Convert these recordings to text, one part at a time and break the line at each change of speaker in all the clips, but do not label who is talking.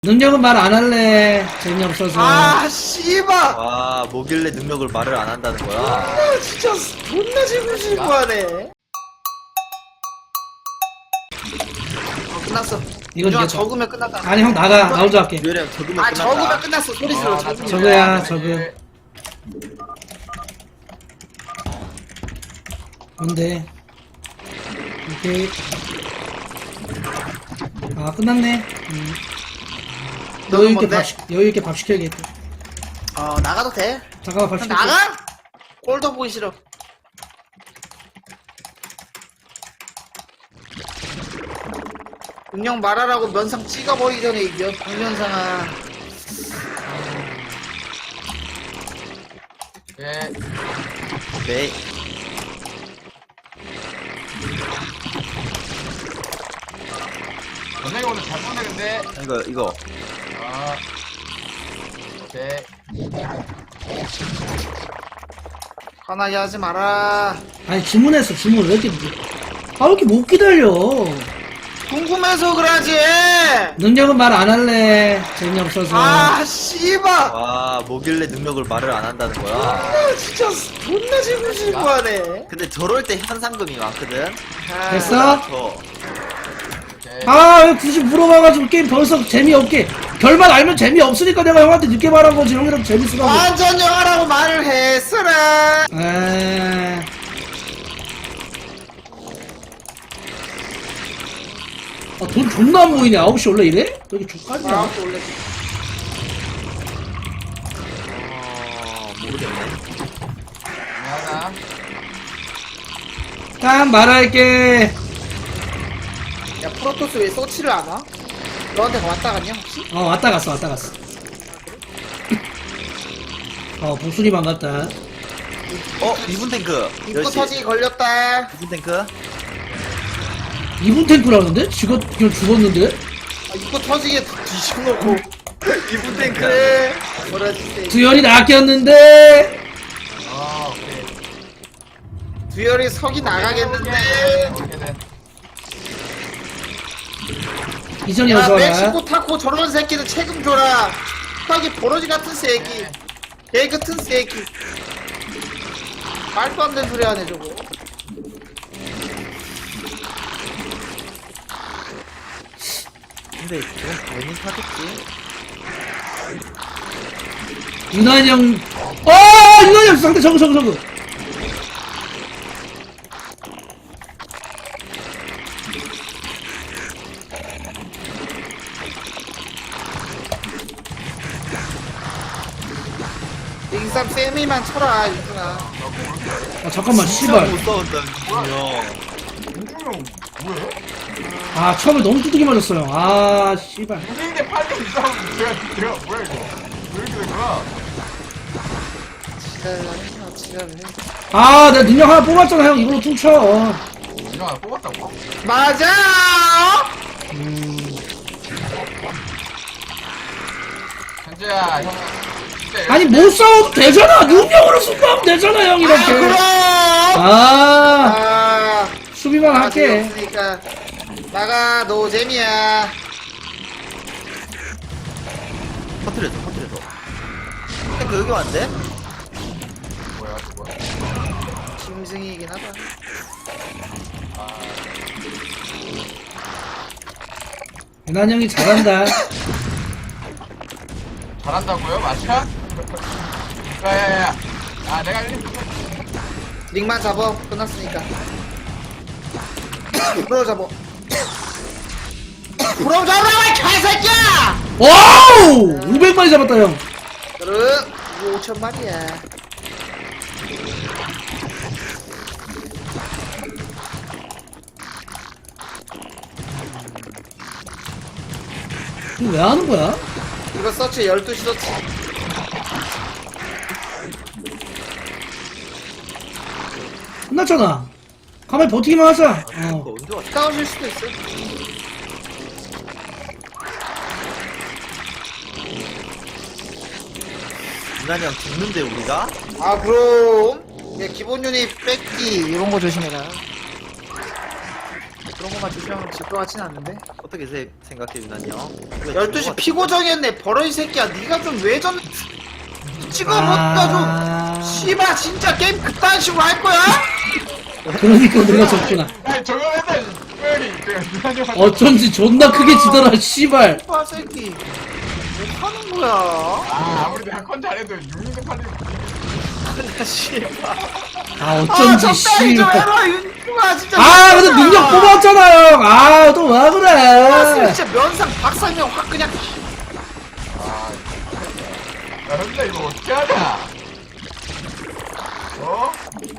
능력은 말 안 할래. 재미없어서.
아 씨발.
와, 뭐길래 능력을 말을 안 한다는 거야?
아 진짜 존나 지고 하네. 끝났어.
이건
윤영아,
이겼다.
적으면 끝났다.
아니 형 나가. 나 혼자 할게.
유령 적으면
아
끝났다.
적으면 끝났어. 소리 질러. 적으면.
저거야 저거. 뭔데? 오케이. 아 끝났네.
너는 뭔데?
여유 있게 밥 시켜야겠다.
나가도 돼.
잠깐만 밥 시킬게.
나가? 꼴도 보기 싫어. 운영 말하라고 면상 찍어버리기 전에 이겨. 박면상아.
네.
네.
연예가 오늘 잘 보네, 근데.
이거.
아. 오케이.
화나게 하지 마라.
아니 주문했어 주문 왜 이렇게 아 왜 이렇게 못 기다려.
궁금해서 그러지.
능력은 말 안 할래. 재미없어서.
아 씨발.
와, 뭐길래 능력을 말을 안 한다는 거야?
아 진짜 존나 지고 하네.
근데 저럴 때 현상금이 많거든?
됐어?
저.
오케이.
아, 왜 굳이 물어봐가지고 게임 벌써 재미없게. 결말 알면 재미없으니까 내가 형한테 늦게 말한 거지. 형이라도 재밌으라고.
완전 영화라고 말을 했어라.
에이. 아, 돈 존나 안 보이네. 9시 원래 이래? 여기 족까지야.
원래
모르겠네.
미안하다.
딱 말할게.
야 프로토스 왜 서치를 안 와? 너한테 왔다 갔냐 혹시?
왔다 갔어. 복순이 반갑다.
이분 탱크.
입구
열시.
터지기 걸렸다.
이분 탱크.
2분 탱크라는데? 지가 그냥 죽었는데?
입구 터지게 뒤집어놓고 이분 탱크래. 뭐라지?
두열이 낚였는데?
아, 오케이.
두열이 석이 나가겠는데.
오케이, 네.
이전이
야
어서 와라.
멕시코 타코 저런 새끼들 책임져라. 딱이 버러지 같은 새끼. 개 같은 새끼. 말도 안 되는 소리 하네 저거.
근데 이건 괜히 사겠지?
유난히 형. 유난히 형 상대 저거.
인삼 세미만 쳐라 유준아.
아, 잠깐만, 씨발.
못 싸운다, 형.
윤중형, 뭐해?
아, 처음에 너무 두둑이 맞았어요. 아, 씨발.
무대인데 8점 이상 내가 뭐야, 이거? 왜 이렇게 된 거야?
지랄해.
아, 내가 능력 하나 뽑았잖아, 형. 이걸로 퉁쳐.
이거 하나 뽑았다고?
맞아.
현재야, 형. 진짜
아니, 못 싸워도 되잖아. 능력으로 승부하면 되잖아, 형, 이렇게.
그럼.
아, 수비만 할게.
없으니까 나가 노잼이야.
터트려줘. 탱크 여기 왔는데?
뭐야, 저거.
짐승이긴 하다.
유난 형이 잘한다.
잘한다고요? 맞춰? 야야야. 아, 내가 1등.
링만 잡어. 끝났으니까. 불어 잡어. 불어 잡으라고 이 개새끼야.
와우! 500마리 잡았다, 형.
그래. 이거 5천마리야.
이거 왜 하는 거야?
이거 서치 12시 서치.
끝났잖아. 가만히 버티기만 하자.
이거 언제 왔어?
싸우실 수도 있어.
유난히 형 죽는데, 우리가?
아 그럼. 기본 유닛 뺏기 이런 거 조심해라. 그런 것만 조심하면 질 것 같진 않는데.
어떻게 생각해 유난히 형?
12시 피고 정했네. 버러이 새끼야. 네가 좀 왜 전 찍어먹다 좀. 씨발 진짜 게임 그딴 식으로 할 거야?
그러니까 내가 졌구나.
아니 저거 맨날 특별히 제가 유난히 형한테
어쩐지 존나 크게 지더라 씨발.
씨발 새끼. 뭐 하는 거야?
아무리 내가 컨 잘해도 6년 판이
근데 씨발.
아 어쩐지
적당히 좀
씨발.
해라 윤중아 진짜.
아 근데 능력 뽑았잖아요. 아 또 왜 그래?
진짜 면상 박상형 확 그냥.
야 현재 이거 어떻게 하냐 어?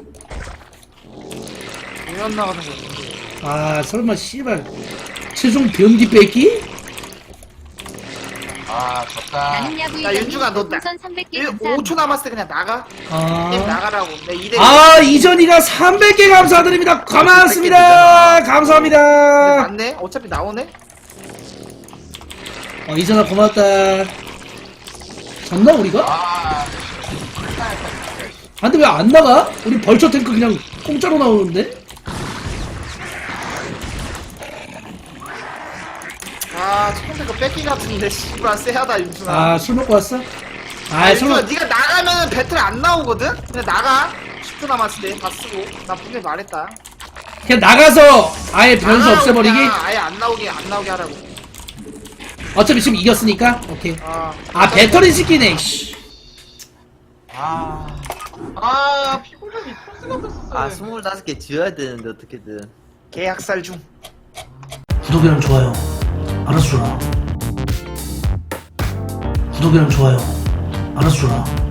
공연 나가는 거.
아 설마 씨발 최종 변기 뺏기?
아 졌다
나는 야구
야 윤중아 너
우선 300개 감사합니다.
5초 남았을 때 그냥 나가. 게임
아.
나가라고. 내 2대1.
아 이전이가 300개 감사드립니다. 고맙습니다. 감사합니다.
맞네. 어차피 나오네.
이전아 고맙다. 졌나 우리가?
아
근데 왜 안 나가? 우리 벌처 탱크 그냥 공짜로 나오는데?
아 처음에 그 뺏기 같은데 씨발 쎄하다 윤중아.
아 술 먹고 왔어? 아 술
윤중아
먹...
네가 나가면은 배틀 안 나오거든? 그냥 나가. 10초 남았을 때 다 쓰고. 나 분명히 말했다.
그냥 나가서 아예 변수
나가라고
없애버리기?
그냥 아예 안 나오게 하라고.
어차피 지금 이겼으니까? 오케이.
아
배터리 시키네 씨.
피곤함이 토스가 됐었어
아 25개 지어야 되는데 어떻게든.
계약살 중.
구독이랑 좋아요 알아서 줘라. 구독이랑 좋아요 알아서 줘라.